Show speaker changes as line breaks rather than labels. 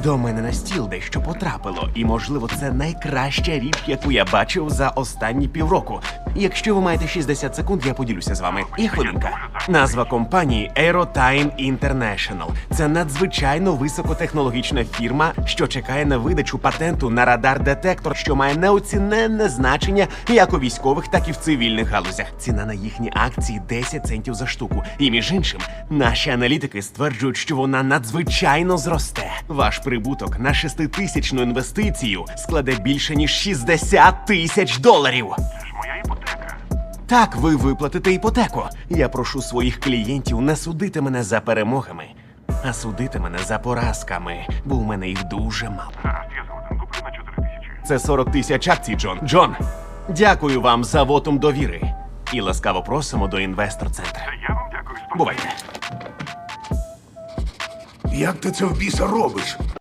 До мене на стіл дещо потрапило, і, можливо, це найкраща річ, яку я бачив за останні півроку. Якщо ви маєте 60 секунд, я поділюся з вами. І хвилинка. Назва компанії Aerotime International. Це надзвичайно високотехнологічна фірма, що чекає на видачу патенту на радар-детектор, що має неоціненне значення як у військових, так і в цивільних галузях. Ціна на їхні акції 10 центів за штуку. І, між іншим, наші аналітики стверджують, що вона надзвичайно зросте. Ваш прибуток на 6-тисячну інвестицію складе більше, ніж 60 тисяч доларів.
Це ж моя іпотека.
Так, ви виплатите іпотеку. Я прошу своїх клієнтів не судити мене за перемогами, а судити мене за поразками, бо у мене їх дуже мало.
Гаразд, я згоден. Куплю на 4 тисячі.
Це 40 тисяч акцій, Джон. Джон, дякую вам за вотум довіри. І ласкаво просимо до інвестор-центра.
Та я вам дякую.
Бувайте.
Як ти це в біса робиш?